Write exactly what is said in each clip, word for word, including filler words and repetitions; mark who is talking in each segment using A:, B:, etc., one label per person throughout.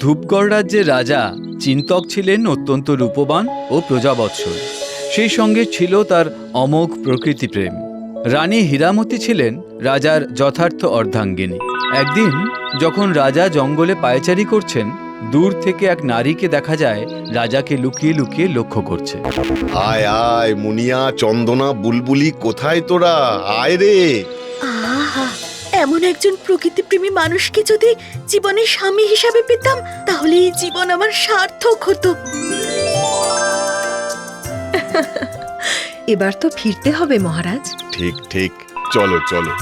A: ধূপগড় রাজ্যের রাজা চিন্তক ছিলেন অত্যন্ত রূপবান ও প্রজাবৎসল। সেই সঙ্গে ছিল তার অমোঘ প্রকৃতিপ্রেম। রানী হীরামতি ছিলেন রাজার যথার্থ অর্ধাঙ্গিনী। একদিন যখন রাজা জঙ্গলে পায়চারি করছেন, দূর থেকে এক নারীকে দেখা যায় রাজাকে লুকিয়ে লুকিয়ে লক্ষ্য করছে।
B: আয় আয় মুনিয়া, চন্দনা, বুলবুলি, কোথায় তোরা? আয় রে।
C: আহা, এমন একজন প্রকৃতিপ্রেমী মানুষকে যদি জীবনের স্বামী হিসাবে পেতাম, তাহলে এই জীবন আমার সার্থক হতো।
D: এবার তো ফিরতে হবে মহারাজ।
B: ঠিক ঠিক, চলো চলো।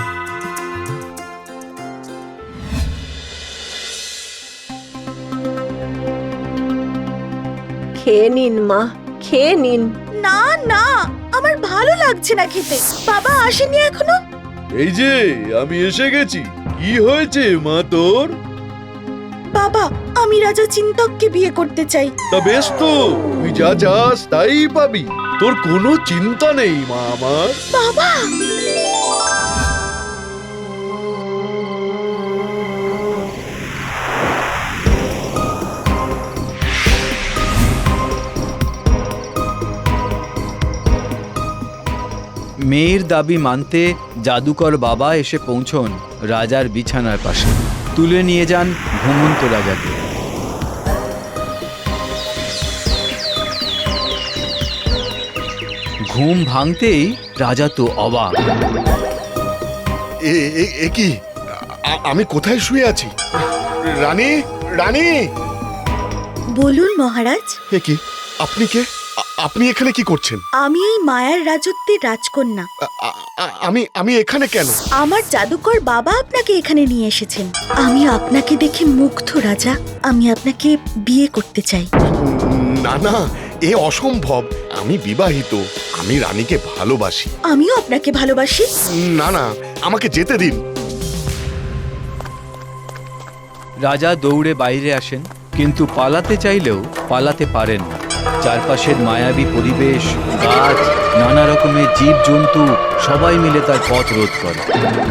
D: খেয়ে নিন মা, খেয়ে নিন।
C: না না, আমার ভালো লাগছে না খেতে। বাবা আসেনি এখনো?
E: এই যে আমি এসে গেছি। কি হয়েছে মা তোর?
C: বাবা, আমি রাজা চিন্তককে বিয়ে করতে চাই।
E: তা বেশ তো, তুই যা চাস তাই পাবি। তোর কোনো চিন্তা নেই মা আমার।
C: বাবা,
A: মেয়ের দাবি মানতে জাদুকর বাবা এসে পৌঁছন রাজার বিছানার পাশে। তুলে নিয়ে যান ঘুমন্ত রাজাকে। ঘুম ভাঙতেই রাজা তো অবাক।
B: এ এ- এ কি? আ- আমি কোথায় শুয়ে আছি? রানী, রানী!
C: বলুন মহারাজ।
B: এ কি? আপনি কে? আ- আপনি এখানে কি করছেন?
C: আমি এই মায়ার রাজত্বের রাজকন্যা।
B: আ- আ- আ- আমি আমি এখানে কেন?
C: আমার জাদুকর বাবা আপনাকে এখানে নিয়ে এসেছেন। আমি আপনাকে দেখে মুগ্ধ রাজা। আমি আপনাকে বিয়ে করতে চাই।
B: না না, এ অসম্ভব। আমি বিবাহিত। আমি রানীকে ভালোবাসি।
C: আমিও আপনাকে ভালোবাসি।
B: না না, আমাকে যেতে দিন।
A: রাজা দৌড়ে বাইরে আসেন, কিন্তু পালাতে চাইলেও পালাতে পারেন না। চারপাশের মায়াবী পরিবেশ, গাছ, নানা রকমের জীবজন্তু সবাই মিলে তার পথ রোধ করে।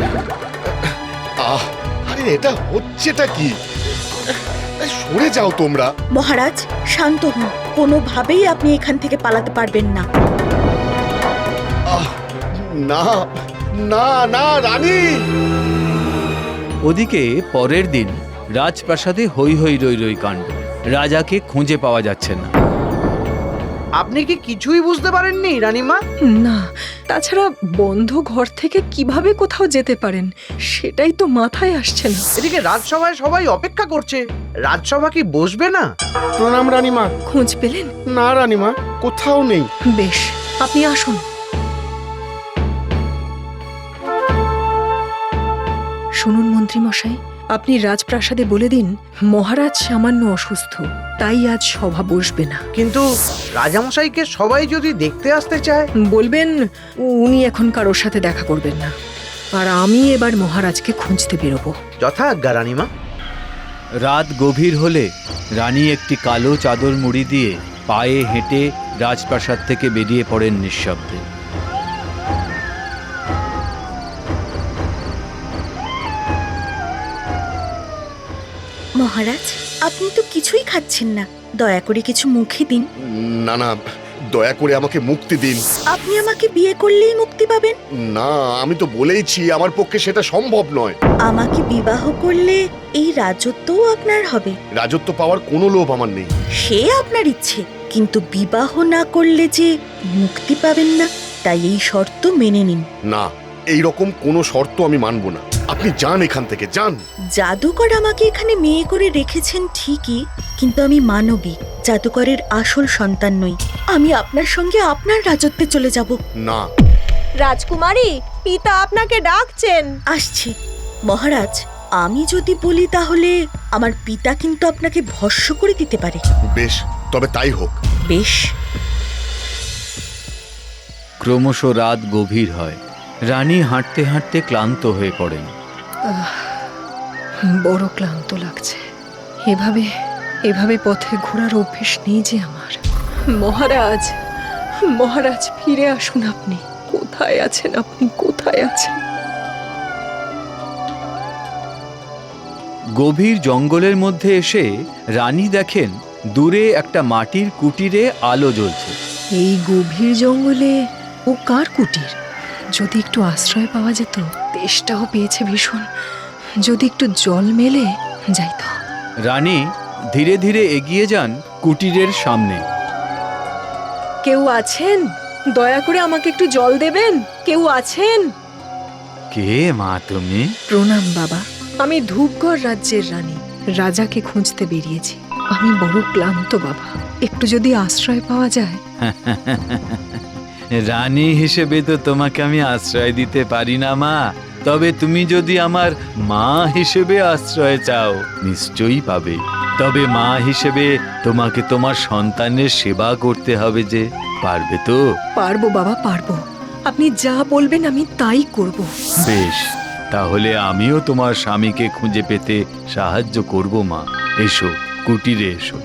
B: আহ, আরে এটা হচ্ছেটা কি? সরে যাও তোমরা।
C: মহারাজ শান্ত হন। কোনোভাবেই আপনি এখান থেকে পালাতে পারবেন না।
B: আহ, না না না, রানী!
A: ওদিকে পরের দিন রাজপ্রাসাদে হৈ হৈ রই রই কাণ্ড। রাজাকে খুঁজে পাওয়া যাচ্ছে না।
F: আপনি কি কিছুই বুঝতে পারেননি রানীমা?
D: না, তাছাড়া বন্ধ ঘর থেকে কিভাবে কোথাও যেতে পারেন সেটাই তো মাথায় আসছে না।
F: এদিকে রাজসভায় সবাই অপেক্ষা করছে। রাজসভা কি বসবে না?
B: প্রণাম রানীমা।
D: খোঁজ পেলেন?
B: না রানীমা, কোথাও নেই।
D: বেশ, আপনি আসুন। শুনুন মন্ত্রী মশাই, আপনি রাজপ্রাসাদে বলে দিন মহারাজ সামান্য অসুস্থ, তাই আজ সভা বসবে না।
F: কিন্তু রাজামশাইকে সবাই যদি দেখতে আসতে চায়?
D: বলবেন উনি এখন কারোর সাথে দেখা করবেন না, আর আমি এবার মহারাজকে খুঁজতে বেরোবো।
F: যথাজ্ঞা রানীমা।
A: রাত গভীর হলে রানী একটি কালো চাদর মুড়ি দিয়ে পায়ে হেঁটে রাজপ্রাসাদ থেকে বেরিয়ে পড়েন নিঃশব্দে।
C: মহারাজ, আপনি তো কিছুই খাচ্ছেন না। দয়া করে কিছু মুখে দিন।
B: না না, দয়া করে আমাকে মুক্তি দিন।
C: আপনি আমাকে বিয়ে করলেই মুক্তি পাবেন?
B: না, আমি তো বলেইছি আমার পক্ষে সেটা সম্ভব নয়।
C: আমাকে বিবাহ করলে এই রাজত্বও আপনার হবে।
B: রাজত্ব পাওয়ার কোনো লোভ আমার নেই।
C: সে আপনার ইচ্ছে, কিন্তু বিবাহ না করলে যে মুক্তি পাবেন না, তাই এই শর্ত মেনে নিন।
B: না, এই রকম কোনো শর্ত আমি মানব না। আপনি যান এখান থেকে, যান।
C: জাদুকর আমাকে এখানে মেয়ে করে রেখেছেন ঠিকই, কিন্তু আমি মানবী, জাদুকরের আসল সন্তান নই। আমি আপনার সঙ্গে আপনার রাজত্বে চলে যাব।
B: না।
D: রাজকুমারী, পিতা আপনাকে ডাকছেন।
C: আসছি। মহারাজ, আমি যদি বলি তাহলে আমার পিতা কিন্তু আপনাকে ভস্ম করে দিতে পারে।
B: বেশ, তবে তাই হোক।
C: বেশ।
A: ক্রমশ রাত গভীর হয়। রানী হাঁটতে হাঁটতে ক্লান্ত হয়ে পড়েন।
D: বড় ক্লান্ত লাগছে। এভাবে এভাবে পথে ঘোরার অভ্যেস নেই যে আমার। মহারাজ, মহারাজ ফিরে আসুন। আপনি কোথায় আছেন? আপনি কোথায় আছেন?
A: গভীর জঙ্গলের মধ্যে এসে রানী দেখেন দূরে একটা মাটির কুটিরে আলো জ্বলছে।
D: এই গভীর জঙ্গলে ও কার কুটির? যদি একটু আশ্রয় পাওয়া যেত। তেষ্টাও পেয়েছে ভীষণ, যদি একটু জল মেলে যাইত।
A: রানী ধীরে ধীরে এগিয়ে যান কুটিরের সামনে।
D: কেউ আছেন? দয়া করে আমাকে একটু জল দেবেন। কেউ আছেন?
A: কে মা তুমি?
D: প্রণাম বাবা, আমি ধূপগড় রাজ্যের রানী। রাজাকে খুঁজতে বেরিয়েছি। আমি বড় ক্লান্ত বাবা, একটু যদি আশ্রয় পাওয়া যায়।
A: রানী হিসেবে তো তোমাকে আমি আশ্রয় দিতে পারি না মা, তবে তুমি যদি আমার মা হিসেবে আশ্রয় চাও নিশ্চয়ই পাবে। তবে মা হিসেবে তোমাকে তোমার সন্তানের সেবা করতে হবে যে, পারবে তো?
D: পারবো বাবা, পারবো। আপনি যা বলবেন আমি তাই করব।
A: বেশ, তাহলে আমিও তোমার স্বামীকে খুঁজে পেতে সাহায্য করব মা। এসো, কুটিরে এসো।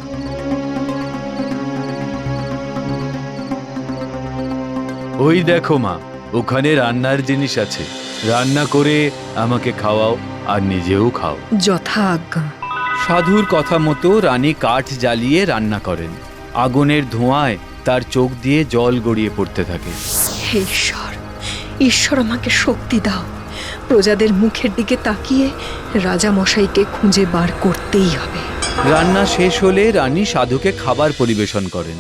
A: ওই দেখো মা, ওখানে রান্নার জিনিস আছে। রান্না করে আমাকে খাওয়াও আর নিজেও খাও।
D: যথা আজ্ঞা।
A: সাধুর কথা মতো রানী কাঠ জ্বালিয়ে রান্না করেন। আগুনের ধোঁয়ায় তার চোখ দিয়ে জল গড়িয়ে পড়তে থাকে।
D: হে ঈশ্বর, ঈশ্বর আমাকে শক্তি দাও। প্রজাদের মুখের দিকে তাকিয়ে রাজা মশাইকে খুঁজে বার করতেই হবে।
A: রান্না শেষ হলে রানী সাধুকে খাবার পরিবেশন করেন।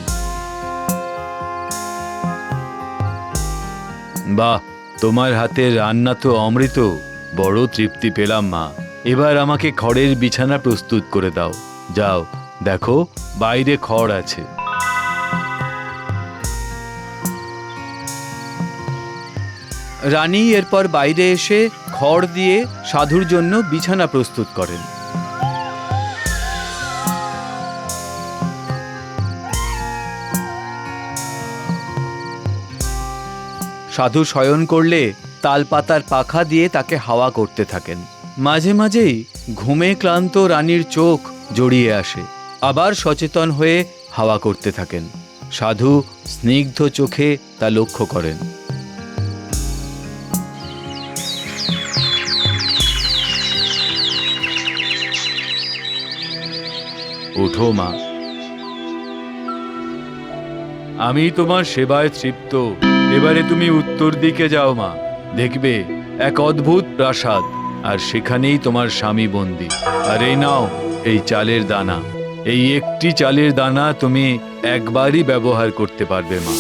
A: বাহ, তোমার হাতের রান্না তো অমৃত। বড় তৃপ্তি পেলাম মা। এবার আমাকে খড়ের বিছানা প্রস্তুত করে দাও। যাও, দেখো বাইরে খড় আছে। রানী এরপর বাইরে এসে খড় দিয়ে সাধুর জন্য বিছানা প্রস্তুত করেন। সাধু শয়ন করলে তালপাতার পাখা দিয়ে তাকে হাওয়া করতে থাকেন। মাঝে মাঝেই ঘুমে ক্লান্ত রানীর চোখ জড়িয়ে আসে, আবার সচেতন হয়ে হাওয়া করতে থাকেন। সাধু স্নিগ্ধ চোখে তা লক্ষ্য করেন। ওঠো মা, আমি তোমার সেবায় তৃপ্ত। এবারে তুমি উত্তর দিকে যাও মা, দেখবে এক অদ্ভুত প্রাসাদ, আর সেখানেই তোমার স্বামী বন্দী। আর এই নাও এই চালের দানা। এই একটি চালের দানা তুমি একবারই ব্যবহার করতে পারবে মা।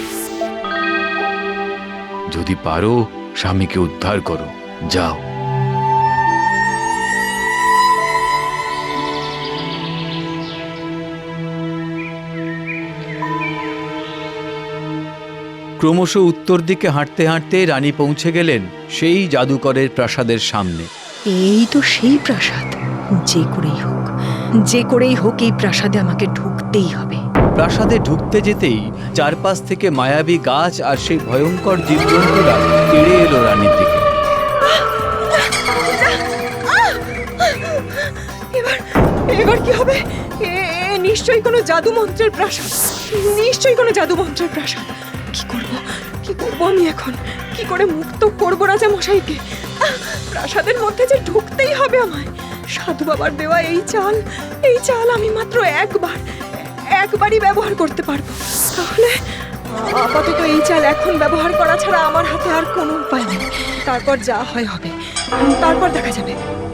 A: যদি পারো স্বামীকে উদ্ধার করো, যাও। ক্রমশ উত্তর দিকে হাঁটতে হাঁটতে রানী পৌঁছে গেলেন সেই জাদুকরের প্রাসাদের সামনে।
D: এই তো সেই প্রাসাদ। যে করেই হোক, যে করেই হোক এই প্রাসাদে আমাকে ঢুকতেই হবে।
A: প্রাসাদে ঢুকতে যেতেই চারপাশ থেকে মায়াবী গাছ আর সেই ভয়ঙ্কর জীবজন্তুরা তেড়ে এলো রানীর দিকে।
D: এবার এবার কি হবে? এ এ নিশ্চয়ই কোনো জাদু মন্ত্রের প্রাসাদ। নিশ্চয়ই কোনো জাদু মন্ত্রের প্রাসাদ। কি করব, কি করব আমি এখন? কি করে মুক্ত করব রাজা মশাইকে? আহ, প্রাসাদের মধ্যে যে ঢুকতেই হবে আমায়। সাধু বাবার দেওয়া এই চাল, এই চাল আমি মাত্র একবার একবারই ব্যবহার করতে পারবো। তাহলে আপাতত এই চাল এখন ব্যবহার করা ছাড়া আমার হাতে আর কোনো উপায় নেই। তারপর যা হয় হবে, তারপর দেখা যাবে।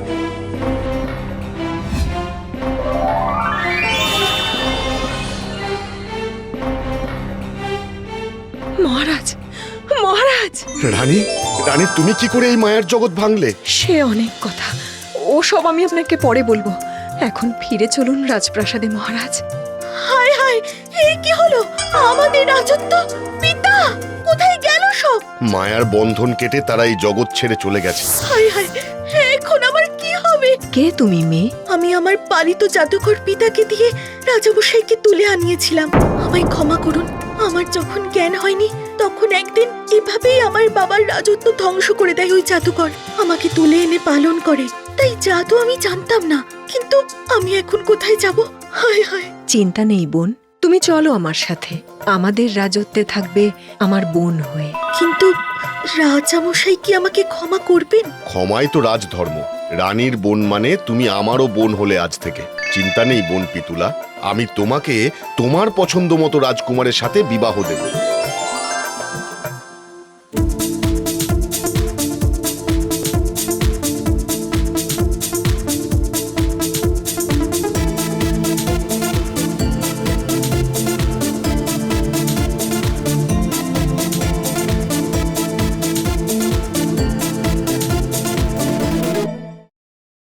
D: মহারাজ, মহারাজ!
B: রানী, রানী তুমি কি করে এই মায়ার জগৎ ভাঙলে?
D: সে অনেক কথা, ও সব আমি আপনাকে পরে বলবো। এখন ফিরে চলুন রাজপ্রাসাদে মহারাজ।
C: হায় হায়, এ কি হলো? আমাদের রাজত্ব, পিতা কোথায় গেল সব?
B: মায়ার বন্ধন কেটে তারা এই জগৎ ছেড়ে চলে গেছে।
C: হায় হায়, এখন আমার কি হবে?
D: কে তুমি মেয়ে?
C: আমি আমার পালিত জাদুকর পিতাকে দিয়ে রাজামশাইকে তুলে আনিয়েছিলাম। আমায় ক্ষমা করুন। আমার যখন জ্ঞান হয়নি তখন একদিন এভাবেই আমার বাবার রাজত্ব ধ্বংস করে দেয় ওই জাদুকর। আমাকে তুলে এনে পালন করে। তাই জাদু আমি জানতাম না। কিন্তু আমি এখন কোথায় যাব? হায় হায়।
D: চিন্তা নেই বোন, তুমি চলো আমার সাথে। আমাদের রাজত্বে থাকবে আমার বোন হয়ে।
C: কিন্তু রাজামশাই কি আমাকে ক্ষমা করবেন?
B: ক্ষমাই তো রাজধর্ম। রানীর বোন মানে তুমি আমারও বোন হলে আজ থেকে। চিন্তা নেই বোন পিতুলা, আমি তোমাকে তোমার পছন্দ মতো রাজকুমারের সাথে বিবাহ দেব।